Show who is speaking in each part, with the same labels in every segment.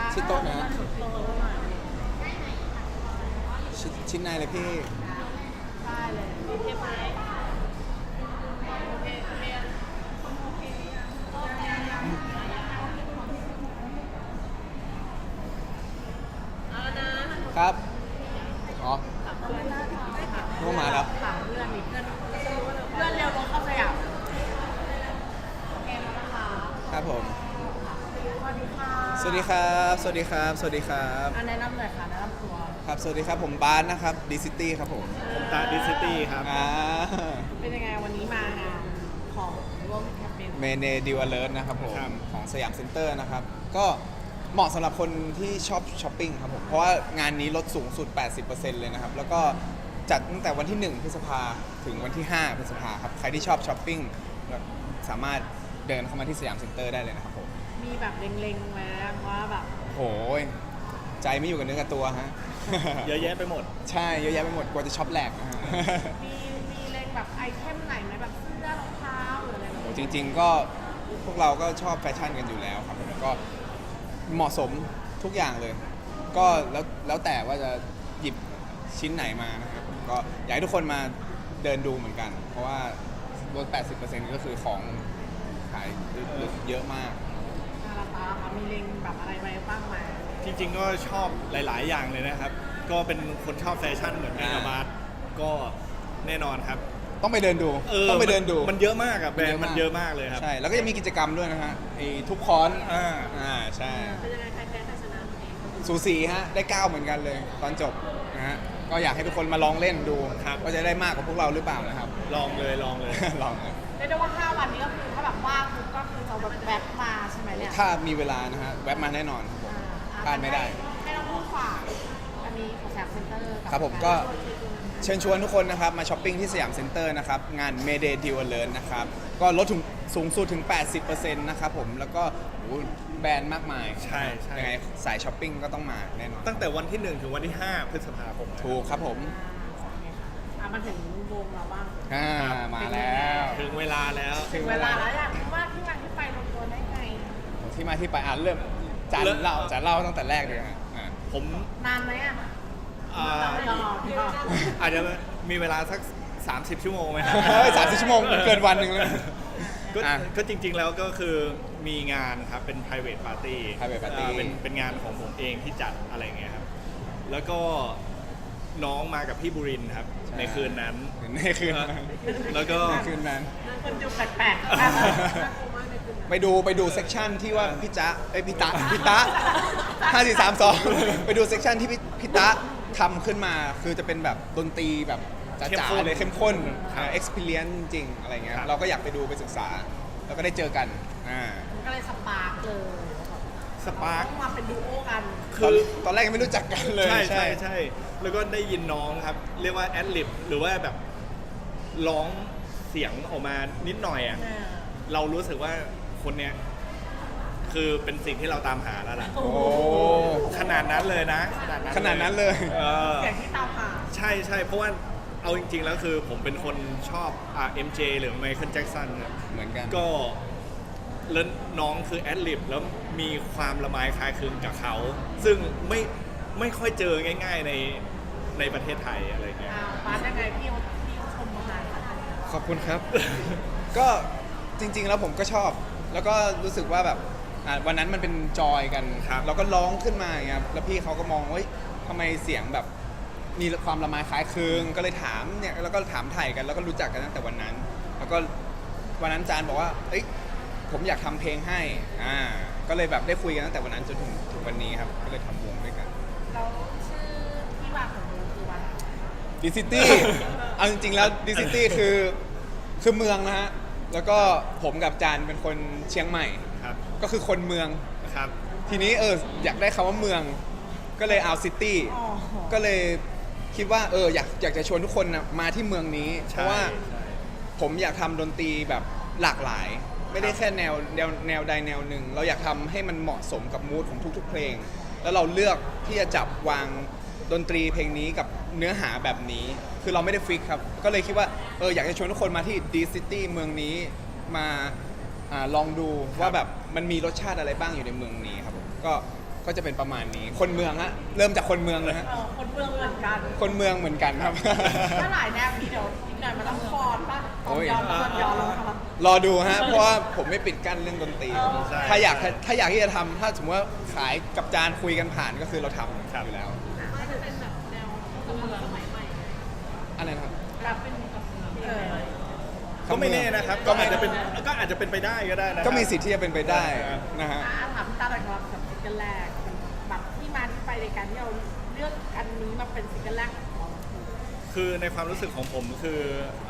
Speaker 1: ชิดโต๊ะนะชิ้นในเลยพี่
Speaker 2: ได้เลยโอเคไหมโอเคโอเคเอานะครับ
Speaker 1: อ๋อ
Speaker 2: ถามเพื่อน
Speaker 1: นู่นมาแล้ว
Speaker 2: ถามเพื่อนนี่เพื่อนเร็วลงเข้าสยามโอเคแล้วนะคะ
Speaker 1: ครับผม
Speaker 2: สวัสดีค่ะ
Speaker 1: สวัสดีครับ สวัสดีครับ สวัสดีครับ
Speaker 2: แนะนำหน่อยค่ะแนะนำตัว
Speaker 1: ครับ สวัสดีครับ ผมบาสนะครับดีซิตี้ครับผม
Speaker 3: ผมตาดิซิตี้ครับ
Speaker 2: เป็นยังไงวันนี้มางานของร่วมแคมเปญ
Speaker 1: เมเนดิวอเลิร์นะครับผม
Speaker 3: ครับ
Speaker 1: ของสยามเซ็นเตอร์นะครับ ก็เหมาะสำหรับคนที่ชอบช้อปปิ้งครับผม เพราะว่างานนี้ลดสูงสุด 80%เลยนะครับ แล้วก็จัดตั้งแต่วันที่ 1 พฤษภาถึงวันที่ 5 พฤษภาครับ ใครที่ชอบช้อปปิ้งสามารถเดินเข้ามาที่สยามเซ็นเตอร์ได้เลยนะครับผม
Speaker 2: มีแบบเล็งๆไหมว่าแบบ
Speaker 1: โหยใจไม่อยู่กับเนื้อกับตัวฮะ
Speaker 3: เยอะแยะไปหมด
Speaker 1: ใช่เยอะแยะไปหมดกลัวจะช็อปแหลกนะฮะ
Speaker 2: มีเล็งแบบไอเทมไหนไหมแบบเสื้อรองเท้าหรืออะไรแบบนี้
Speaker 1: จริงๆก็พวกเราก็ชอบแฟชั่นกันอยู่แล้วครับแล้วก็เหมาะสมทุกอย่างเลย ก็แล้วแต่ว่าจะหยิบชิ้นไหนมานะครับก็อยากให้ทุกคนมาเดินดูเหมือนกัน เพราะว่าลด 80%ก็คือของขายเยอะมาก
Speaker 2: ราคาค่ะมีเล็งแบบอะไรไว้บ้างไหม
Speaker 3: จริงๆก็ชอบหลายๆอย่างเลยนะครับ ก็เป็นคนชอบแฟชั่นเหมือนกันกับบาสก็แน่นอนครับ
Speaker 1: ต้องไปเดินดูต้องไปเดินดู
Speaker 3: มันเยอะมากอะแบรนด์มันเยอะมากเลยครับ
Speaker 1: ใช่แล้วก็จะมีกิจกรรมด้วยนะฮะไอ้ทุกคอน ใช่
Speaker 2: เป็นยังไงใครแพ้ใครชนะ
Speaker 1: สูสีฮะได้9เหมือนกันเลยตอนจบนะฮะก็อยากให้ทุกคนมาลองเล่นดู
Speaker 3: ครับ
Speaker 1: ว่าจะได้มากกว่าพวกเราหรือเปล่านะครับ
Speaker 3: ลองเลยลองเลย
Speaker 1: ลองเลย
Speaker 2: เรียกได้ว่า5วันนี้ก็คือถ้าแบบว่างปุ๊บก็คือเราแบบแวบมาใช่ไหมเนี่ย
Speaker 1: ถ้ามีเวลานะฮะแวะมาแน่นอนครับผมพลาดไม่ได้
Speaker 2: ให้เราพูดฝากอันนี้ของแซมเซ็นเตอร์
Speaker 1: ครับผมก็เชิญชวนทุกคนนะครับมาช้อปปิ้งที่สยามเซ็นเตอร์นะครับงาน Mayday Deal Alert นะครับก็ลดถึงสูงสุดถึง 80%นะครับผมแล้วก็โอ้โหแบรนด์มากมาย
Speaker 3: ใช่ใช่
Speaker 1: ยังไงสายช้อปปิ้งก็ต้องมาแน่นอน
Speaker 3: ตั้งแต่วันที่ 1 ถึงวันที่ 5 พฤษภาคม
Speaker 1: ถูกครับผม
Speaker 2: มาถึงวงเราบ้าง
Speaker 1: มาแล้ว
Speaker 3: ถึงเวลาแล้ว
Speaker 2: ถึงเวลาแล้วอยากรู้ว่าที่มาที่ไปลงตัวได้ไง
Speaker 1: ที่มาที่ไปเริ่มจานเล่าตั้งแต่แรกเลยฮะ
Speaker 3: ผม
Speaker 2: นานไหมอ่ะ
Speaker 3: อ่า
Speaker 2: เราพี่ก็
Speaker 3: อาจจะมีเวลาสัก 30 ชั่วโมงไหมครับ
Speaker 1: 30 ชั่วโมงเกินวันหนึ่งเลย
Speaker 3: ก็
Speaker 1: อ่ะ
Speaker 3: ก็จริงๆแล้วก็คือมีงานครับเป็น private party
Speaker 1: private party
Speaker 3: เป็นงานของผมเองที่จัดอะไรเงี้ยครับ แล้วก็น้องมากับพี่บุรินทร์ครับ
Speaker 1: ใช่
Speaker 3: ในคืนนั้น
Speaker 1: ในคืนนั้น
Speaker 3: แล้วก็
Speaker 1: ในคืนนั้น
Speaker 2: คนดูแปลกๆน่ากลัวมากในคืนนั้น
Speaker 1: ไปดูเซกชันที่ว่าพี่จ๊ะพี่ตะ5432ไปดูเซกชันที่พี่ตะทำขึ้นมาคือจะเป็นแบบดนตรีแบบจ๋าๆเลยเข้มข้น experience จริงๆอะไรเงี้ยเราก็อยากไปดูไปศึกษา แล้วก็ได้เจอกัน
Speaker 2: มันก็เลยสปาร์กเลย
Speaker 3: สปาร์ค
Speaker 2: ต้องมาเป็นดูโอกัน
Speaker 1: ตอนแรกยังไม่รู้จักกันเลย
Speaker 3: ใช่แล้วก็ได้ยินน้องครับ เรียกว่าแอดลิบหรือว่าแบบร้องเสียงออกมานิดหน่อยอ่ะ เรารู้สึกว่าคนเนี้ยคือเป็นสิ่งที่เราตามหาแล้วล่ะ
Speaker 1: โอ้
Speaker 3: ขนาดนั้นเลยนะ
Speaker 1: ขนาดนั้นเลย
Speaker 2: เสียงที่ตามหา
Speaker 3: ใช่เพราะว่าเอาจริงๆแล้วคือผมเป็นคนชอบMJ หรือไมเคิลแจ็คสัน
Speaker 1: เหมือนกัน
Speaker 3: ก็แล้วน้องคือแอดลิบแล้วมีความละไมคล้ายคลึงกับเขา ซึ่งไม่ค่อยเจอง่าย ๆในประเทศไทยอะไรเงี้ย
Speaker 2: ปาร์กยังไงพี่เขาชมมา
Speaker 1: ขอบคุณครับ ก็จริงๆแล้วผมก็ชอบ แล้วก็รู้สึกว่าแบบวันนั้นมันเป็นจอยกัน
Speaker 3: ครับ
Speaker 1: เราก็ร้องขึ้นมาอย่างเงี้ยแล้วพี่เขาก็มองว่าทำไมเสียงแบบมีความละไมคล้ายคลึงก็เลยถามเนี่ยแล้วก็ถามไถ่กันแล้วก็รู้จักกันตั้งแต่วันนั้น แล้วก็วันนั้นจานบอกว่าเอ้ยผมอยากทำเพลงให้ก็เลยแบบได้คุยกันตั้งแต่วันนั้นจนถึงวันนี้ครับก็เลยทำวงด้วยกัน
Speaker 2: เราชื่อที่มาของวงคือว่า
Speaker 1: ดิซิตี้ เอาจริงๆแล้วดิซิตี้คือเมืองนะฮะ แล้วก็ผมกับจานเป็นคนเชียงใหม่
Speaker 3: ครับ
Speaker 1: ก็คือคนเมือง
Speaker 3: ครับ
Speaker 1: ทีนี้อยากได้คำว่าเมือง ก็เลยเอาซิตี้ ก็เลยคิดว่าอยากจะชวนทุกคนนะมาที่เมืองนี้ เพราะว่าผมอยากทำดนตรีแบบหลากหลาย ไม่ได้แค่แนวใดแนวหนึ่ง เราอยากทำให้มันเหมาะสมกับมูดของทุกๆเพลง แล้วเราเลือกที่จะจับวางดนตรีเพลงนี้กับเนื้อหาแบบนี้ คือเราไม่ได้ฟิกครับ ก็เลยคิดว่าอยากจะชวนทุกคนมาที่ดีซิตี้เมืองนี้มาลองดูว่าแบบมันมีรสชาติอะไรบ้างอยู่ในเมืองนี้ครับผมก็ก็จะเป็นประมาณนี้คนเมืองฮะเริ่มจากคนเมืองเลยฮะ
Speaker 2: คนเมืองเหมือนกัน
Speaker 1: คนเมืองเหมือนกันครับ
Speaker 2: ถ้าหลายแนวนี้เดี๋ยวอีกหน่อยมันต้องฟอนป่ะต
Speaker 1: โอ้
Speaker 2: อน
Speaker 1: ย
Speaker 2: ย้อนตอนย้อนแล้วครับ
Speaker 1: รอดูฮะเพราะว่าผมไม่ปิดกั้นเรื่องดนตรี
Speaker 3: ใช่
Speaker 1: ถ้าอยากที่จะทำถ้าสมมติว่าขายกับจานคุยกันผ่านก็คือเราทำอยู่แล้ว
Speaker 2: ก็จะเป็นแบบแนวคนเมืองสมัยใหม่
Speaker 1: อะไรนะครับ
Speaker 2: แบบเป็น
Speaker 3: ก็ไม่แน่นะครับ ก็อาจจะเป็นไปได้ก็ได้นะ
Speaker 1: ก็มีสิทธิ์ที่จะเป็นไปได้นะฮะ
Speaker 2: ถามพี่ตาหน่อยครับกับซิงเกิลแรกแบบที่มาที่ไปในการที่เราเลือกอันนี้มาเป็นซิงเกิลแรกของเรา
Speaker 3: คือในความรู้สึกของผมคือ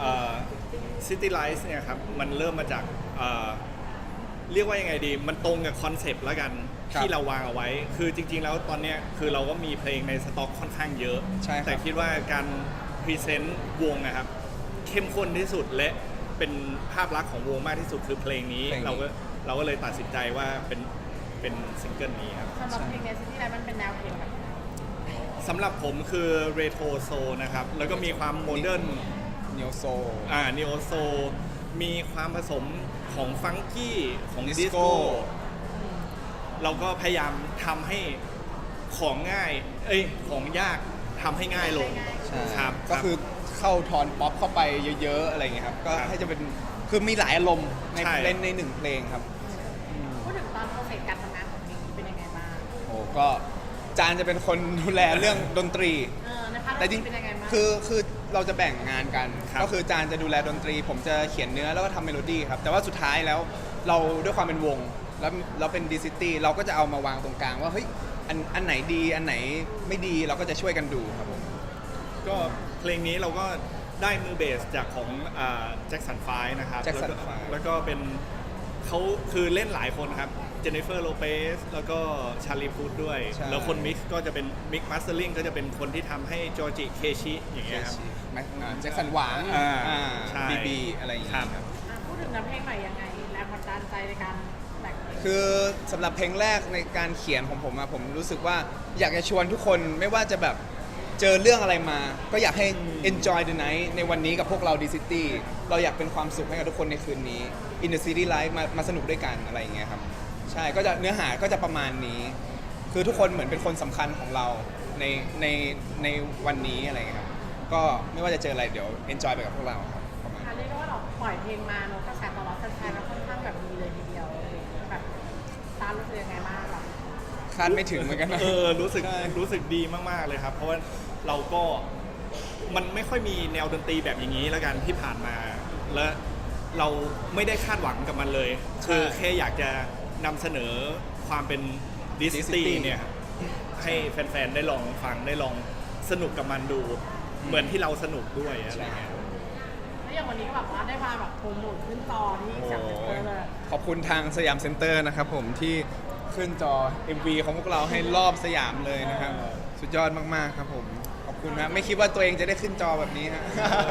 Speaker 3: City Lights เนี่ยครับมันเริ่มมาจากเรียกว่ายังไงดีมันตรงกับคอนเซปต์แล้วกัน
Speaker 1: ครับ
Speaker 3: ที่เราวางเอาไว้ คือจริงๆแล้วตอนเนี้ยคือเราก็มีเพลงในสต็อกค่อนข้างเยอะ
Speaker 1: ใช่ครับ
Speaker 3: แต่คิดว่าการพรีเซนต์วงนะครับเข้มข้นที่สุดและเป็นภาพลักษณ์ของวงมากที่สุดคือเพลงนี้ เราก็เลยตัดสินใจว่าเป็นซิงเกิลนี้ครับ
Speaker 2: สำหรับเพลงในซิตี้ไลท์มันเป็นแนวเพลงแบบไหน
Speaker 3: สำหรับผมคือเรโทรโซนะครับ แล้วก็มีความโมเดิร์น
Speaker 1: เนียวโซ
Speaker 3: นิโอโซมีความผสมของฟังกี้ของ
Speaker 1: ดิ
Speaker 3: ดิ
Speaker 1: ส
Speaker 3: ส
Speaker 1: โก้
Speaker 3: โก้เราก็พยายามทำให้ของง่ายของยากทำให้ง่ายลง
Speaker 1: ใช่
Speaker 3: ครับ
Speaker 1: ก็คือเข้าทอนป๊อปเข้าไปเยอะๆอะไรอย่างเงี้ยครับก็ให้จะเป็นคือมีหลายอารมณ์ใน
Speaker 3: ใช่
Speaker 1: เล่นในหนึ่งเพลงครับ
Speaker 2: พูดถึงตอนโปรเซสการทำงานของเพลงนี้เป็นยังไงบ้าง
Speaker 1: โอ้ก็จานจะเป็นคนดูแลเรื่องดนตรี
Speaker 2: ในพาร์ท
Speaker 1: แต่จริง
Speaker 2: เป็นยังไงบ้าง
Speaker 1: คือเราจะแบ่งงานกัน
Speaker 3: ครับ
Speaker 1: ก็คือจานจะดูแลดนตรี ผมจะเขียนเนื้อแล้วก็ทำเมโลดี้ครับ แต่ว่าสุดท้ายแล้วเราด้วยความเป็นวง แล้วเราเป็นดีซิตี้เราก็จะเอามาวางตรงกลางว่าเฮ้ยอันไหนดีอันไหนไม่ดีเราก็จะช่วยกันดูครับผม
Speaker 3: ก็เพลงนี้เราก็ได้มือเบสจากของแจ็คสันไฟนะครับ
Speaker 1: Jackson
Speaker 3: แล้วก็
Speaker 1: Five
Speaker 3: แล้วก็เป็นเขาคือเล่นหลายคนครับเจนนิเฟอร์โลเปสแล้วก็ชาลีพูดด้วย
Speaker 1: ใช่
Speaker 3: แล้วคนมิกซ์ก็จะเป็นมิกมาสเตอร์ลิงก็จะเป็นคนที่ทำให้จอร์จิเคชิอย่างเงี้ยครับ
Speaker 1: แจ็คสันหวาง
Speaker 3: ใช่
Speaker 1: บีอะไรอย่างเงี้ย
Speaker 3: ครับ
Speaker 1: ครับ
Speaker 2: พูดถึงน้ำเพลงใหม่ยังไงแรงบันดาลใจในการแต่งเพลง
Speaker 1: คือสำหรับเพลงแรกในการเขียนของผมอะผมรู้สึกว่าอยากจะชวนทุกคนไม่ว่าจะแบบเจอเรื่องอะไรมา ก็อยากให้ enjoy the night ในวันนี้กับพวกเรา D City เราอยากเป็นความสุขให้กับทุกคนในคืนนี้ in the city life มาสนุกด้วยกันอะไรอย่างเงี้ยครับใช่ก็จะเนื้อหาก็จะประมาณนี้ คือทุกคนเหมือนเป็นคนสำคัญของเราในวันนี้อะไรอย่างเงี้ยครับก็ไม่ว่าจะเจออะไรเดี๋ยว enjoy ไปกับพวกเราครับประมาณ
Speaker 2: ค่ะเรียกได้ว่าเราปล่อยเพลงมาเนอะกระแสตอบรับแฟนๆก็ค่อนข้างแบบดีเลยทีเดียวแบบตารู้สึกยังไงบ้างแบบ
Speaker 1: คาดไม่ถึงเหมือนกันนะ
Speaker 3: รู้สึก
Speaker 1: ใช่
Speaker 3: รู้สึกดีมากๆเลยครับ เพราะว่าเราก็มันไม่ค่อยมีแนวดนตรีแบบอย่างนี้แล้วกันที่ผ่านมา และเราไม่ได้คาดหวังกับมันเลย คือแค่อยากจะนำเสนอความเป็นดิส
Speaker 1: Disney
Speaker 3: ตี้เนี่ยครับให้แฟนๆได้ลองฟังได้ลองสนุกกับมันดู เหมือนที่เราสนุกด้วยอะไรเงี้ย
Speaker 2: แล้วอย่างวันนี้ก็แบบว่าได้มาแบบโปรโมทขึ้นจอที่
Speaker 1: โอ้
Speaker 2: สยามเซ็นเตอร์เลย
Speaker 1: ขอบคุณทางสยามเซ็นเตอร์นะครับผมที่ขึ้นจอ MV ของพวกเราให้รอบสยามเลยนะครับ สุดยอดมากๆครับผม ขอบคุณนะไม่คิดว่าตัวเองจะได้ขึ้นจอแบบนี้ฮะ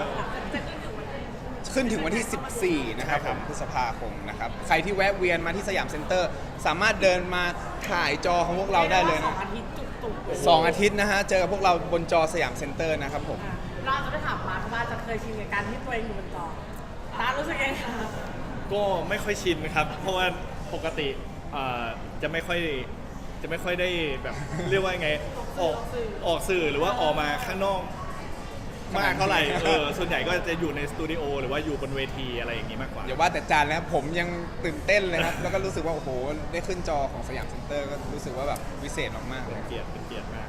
Speaker 1: ขึ้นถึงวันที่ 14 นะครับผมพฤษภาคมนะครับ ใครที่แวะเวียนมาที่สยามเซ็นเตอร์ สามารถเดินมาถ่ายจอของพวกเราได้เลย
Speaker 2: สอ
Speaker 1: นะ
Speaker 2: งอาทิตย์จุกๆเลย
Speaker 1: 2 อาทิตย์นะฮะ เจอกับพวกเราบนจอสยามเซ็นเตอร์นะครับผม
Speaker 2: เราจะได้ถามมาเพราะว่าจะเคยชินกับการที่ตัวเองอยู่บนจอตารู้สึกยังไงคะ
Speaker 3: ก็ไม่ค่อยชินครับ เพราะว่าปกติจะไม่ค่อยได้แบบ เรียกว่าไงออกสื่อหรือว่าออกมาข้างนอกมากเท่าไหร่ส่วนใหญ่ก็จะอยู่ในสตูดิโอหรือว่าอยู่บนเวทีอะไรอย่างนี้มากกว่า
Speaker 1: อย่าว่าแต่จานแล้วผมยังตื่นเต้นเลยครับ แล้วก็รู้สึกว่าโอ้โหได้ขึ้นจอของสยามเซ็นเตอร์ก็รู้สึกว่าแบบวิเศษมากๆเล
Speaker 3: เป็น
Speaker 1: ย
Speaker 3: เกียรติมาก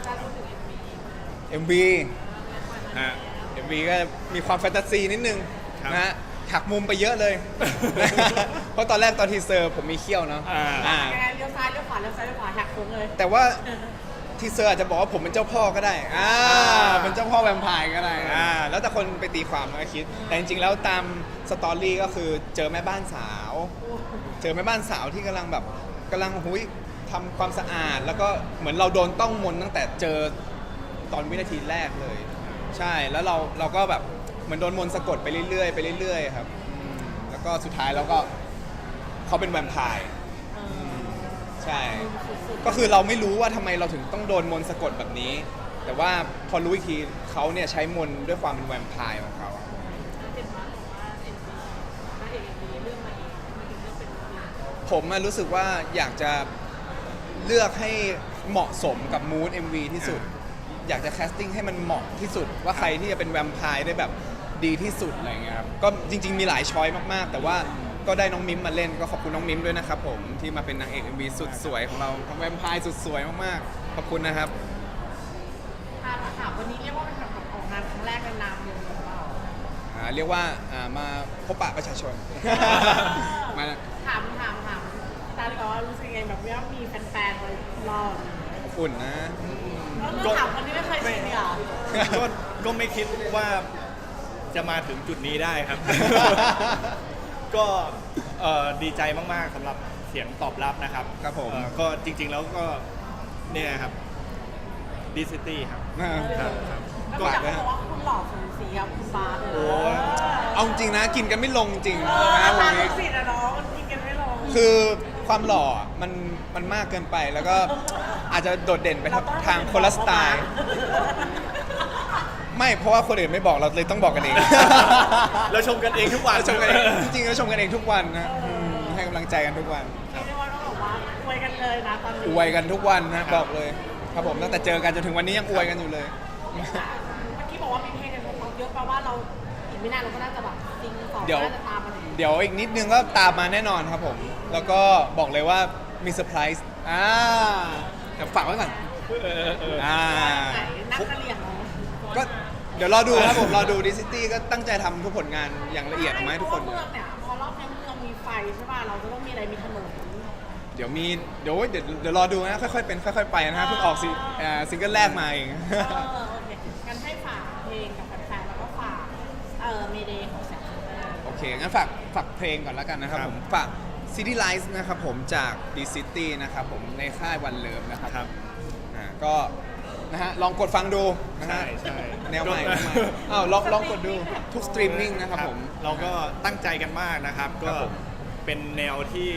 Speaker 1: MV
Speaker 3: ฮะ
Speaker 1: MV ก็มีความแฟนตาซีนิดนึง
Speaker 3: ครับ
Speaker 1: นะฮะหักมุมไปเยอะเลย เพราะตอนแรกตอนทีเซอร์ผมมีเขี้ยวเนาะ
Speaker 3: อ่า
Speaker 2: ยังไงเลี้ยวซ้ายเลี้ยวขวาเลี้ยวซ้ายเลี้ยวขวาแหกโค้งเลย
Speaker 1: แต่ว่าทีเซอร์อาจจะบอกว่าผมเป็นเจ้าพ่อก็ได้เป็นเจ้าพ่อแวมไพร์ก็ได้แล้วแต่คนไปตีความแล้วก็คิด แต่จริงๆแล้วตามสตอรี่ก็คือเจอแม่บ้านสาว เจอแม่บ้านสาวที่กำลังหุยทำความสะอาด แล้วก็เหมือนเราโดนต้องมนต์ตั้งแต่เจอตอนวินาทีแรกเลย ใช่แล้วเราก็แบบเหมือนโดนมนต์สะกดไปเรื่อยๆไปเรื่อยๆครับแล้วก็สุดท้ายเราก็เขาเป็นแวมไพร์ใช่ ก็คือเราไม่รู้ว่าทำไมเราถึงต้องโดนมนต์สะกดแบบนี้ แต่ว่าพอรู้อีกทีเขาเนี่ยใช้มนต์ด้วยความเป็นแวมไพร์ของเขา ผมรู้สึกว่าอยากจะเลือกให้เหมาะสมกับมูด MV ที่สุด อยากจะแคสติ้งให้มันเหมาะที่สุดว่าใครที่จะเป็นแวมไพร์ได้แบบดีที่สุดอะไรเงี้ยครับก็จริงๆมีหลายช้อยมากๆ แต่ว่าก็ได้น้องมิมมาเล่นก็ขอบคุณน้องมิมด้วยนะครับผมที่มาเป็นนางเอก MV สุดสวยของเราทั้งแวมไพร์สุดสวยมากๆขอบคุณนะครับ
Speaker 2: ถามวันนี้เรียกว่าเป็นแบบออกงานครั้งแรกในนามวงหรือเปล่า
Speaker 1: เรียกว่ามาพบปะประชาชน มา
Speaker 2: ถามตาดีกว่ารู้สึกยังไงแบบว่ามีแฟนๆมารอ
Speaker 1: อุ่นนะ
Speaker 2: แล้วถามคนที่ไม่เคยชินอ่ะ
Speaker 3: ก็ไม่คิดว่าจะมาถึงจุดนี้ได้ครับ ก็ดีใจมากๆสำหรับเสียงตอบรับนะครับ
Speaker 1: ครับผม
Speaker 3: ก็จริงๆแล้วก็เนี่ยครับดิซิตี้ครับ ครับ
Speaker 2: ก็อยากบอกว่าคุณหล่อสูสีกับคุณบาสเลย
Speaker 3: โอ้
Speaker 1: เอาจริงนะกินกันไม่ลงจริง
Speaker 2: นะ
Speaker 1: นะวั
Speaker 2: ตาน ลู
Speaker 1: นี้
Speaker 2: กศิษย์อะเนาะมันกินกันไม่ลง
Speaker 1: คือความหล่อมันมากเกินไปแล้วก็อาจจะโดดเด่นไปทางคนละสไตล์ ไม่เพราะว่าคนอื่นไม่บอกเราเลยต้องบอกกันเอง
Speaker 3: เราชมกันเองทุกวัน
Speaker 1: เราชมกันเองจริงๆเราชมกันเองทุกวันนะให้กำลังใจกันทุกวัน
Speaker 2: เรียกได้ว่าต้องบอกว่าอวยกันเลยนะตอนนี้
Speaker 1: อวยกันทุกวันนะบอกเลยครับผมตั้งแต่เจอกันจนถึงวันนี้ยังอวยกันอยู่เลย
Speaker 2: เมื่อกี้บอกว่ามีเพลงกันเยอะแปลว่าเราอีกไม่นานเราก็น่าจะแบบซิงสอง
Speaker 1: เดี๋ยว
Speaker 2: น่าจะตามมาถึง
Speaker 1: เดี๋ยวอีกนิดนึงก็ตามมาแน่นอนครับผม แล้วก็บอกเลยว่ามีเซอร์ไพรส์เดี๋ยวฝากไว้ก่อน อ่า
Speaker 2: ไหนนักกะเหรี่ยงเหรอ
Speaker 1: ก็เดี๋ยวรอดูครับผมรอดูดิซิตี้ก็ตั้งใจทำทุกผลงานอย่างละเอียดออกมาให้ทุกคน
Speaker 2: เพราะว่าเมืองเนี่ยพอรอบนี้เมืองมีไฟใช่ป่ะเราจะต้องมีอะไรมีถนน
Speaker 1: เดี๋ยวรอดูนะค่อยๆเป็นค่อยๆไปนะฮะเพิ่งออกซิงเกิลแรกมาเอง
Speaker 2: โอเคงั้นให้ฝากเพลงกับแฟนๆแล้วก็ฝากเมเดย์ของแสงสุนทร
Speaker 1: โอเค งั้นฝากเพลงก่อนแล้วกันนะครับ
Speaker 3: ครับ
Speaker 1: ผม ฝาก City Lights นะครับผมจาก D City นะครับผมในค่ายวันเลิฟนะครับ
Speaker 3: ครับ
Speaker 1: ก็นะฮะลองกดฟังดูนะฮะ
Speaker 3: ใช่
Speaker 1: แนวใหม่อ้าวลองกดดูทุกสตรีมมิ่งนะครับผม
Speaker 3: เราก็ตั้งใจกันมากนะครับ
Speaker 1: ค
Speaker 3: ก็
Speaker 1: รับผม
Speaker 3: เป็นแนวที่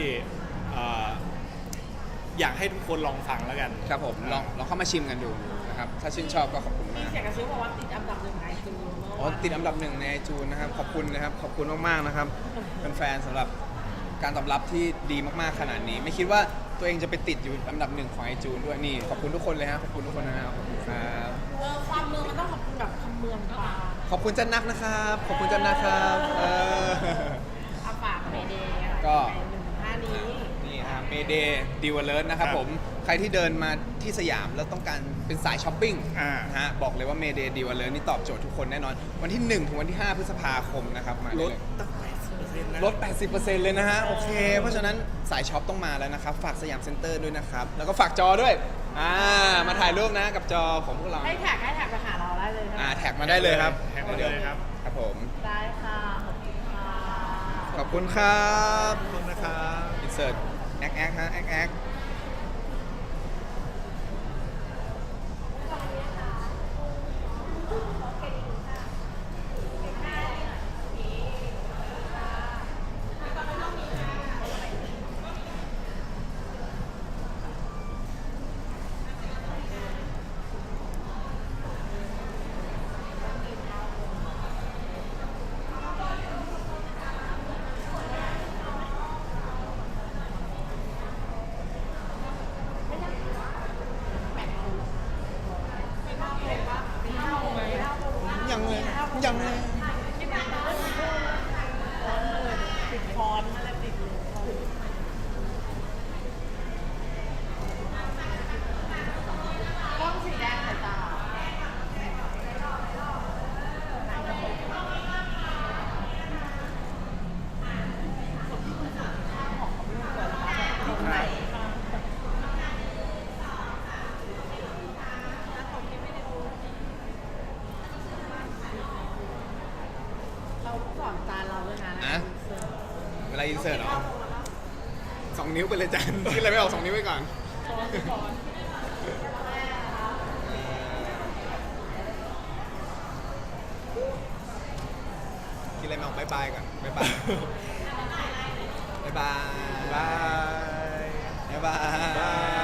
Speaker 3: อยากให้ทุกคนลองฟังแล้วกัน
Speaker 1: ครับผมลองเข้ามาชิมกันดูนะครับ ถ้าชื่นชอบก็ขอบคุณ
Speaker 2: มี
Speaker 1: มาก
Speaker 2: เสียงกระซิบบอกว่าติดอันดับหนึ่งในจูน
Speaker 1: อ๋อติดอันดับหนึ่งในจูนนะครับ ขอบคุณนะครับ ขอบคุณมากๆนะครับเป็นแฟนๆสำหรับการตอบรับที่ดีมากๆขนาดนี้ ไม่คิดว่าตัวเองจะไปติดอยู่อันดับหนึ่งของไอจูนด้วยนี่ขอบคุณทุกคนเลยฮะขอบคุณทุกคนนะครับขอบคุณครับ
Speaker 2: ความเมืองมันต้องขอบคุณแบบคำเมืองปลา
Speaker 1: ขอบคุณจันนักนะครับ ขอบคุณจันนักครับ
Speaker 2: อาฝากเมเดย์
Speaker 1: ก็
Speaker 2: 1-5นี้
Speaker 1: นี่ครับเมเดย์ดิวเลิร์นะครับ
Speaker 3: ครับ
Speaker 1: ผมใครที่เดินมาที่สยามแล้วต้องการเป็นสายช้อปปิ้ง นะฮะบอกเลยว่าเมเดย์ดิวเลิร์นี่ตอบโจทย์ทุกคนแน่นอน วันที่ 1 ถึงวันที่ 5 พฤษภาคมนะครับมา
Speaker 3: ล
Speaker 1: ได้
Speaker 3: ด
Speaker 1: เลย
Speaker 3: ตั้ง80%นะ
Speaker 1: ลด 80%เลยนะฮะ โอเค เพราะฉะนั้นสายช็อปต้องมาแล้วนะครับ ฝากสยามเซ็นเตอร์ด้วยนะครับ แล้วก็ฝากจอด้วย มาถ่ายรูปนะกับจอของพวกเรา
Speaker 2: ให้แท็กไปหาเราได้เลยนะ
Speaker 1: แท็กมาได้เลยครับ
Speaker 3: แท็กมาเลยครับ
Speaker 1: ครับผม
Speaker 2: ได้ค่ะ ขอบคุณค่ะ
Speaker 1: ขอบคุณครับ
Speaker 3: ขอบคุณนะครับ
Speaker 1: อินเสิร์ตแอคฮะแอคยังเลย
Speaker 2: ติดฟอนต์อะไรติดเลยกล้องสีแดงค่ะจ้าเราสอนจานเราด้วยนะ
Speaker 1: อะเวลาอินเสิร์ตเหรอ2 นิ้วไปเลยจันคิดอะไรไม่ออก2 นิ้วไปก่อน คิดอะไรไม่ออกบายบายก่อนบายบายบายบาย
Speaker 3: บาย
Speaker 1: บายบาย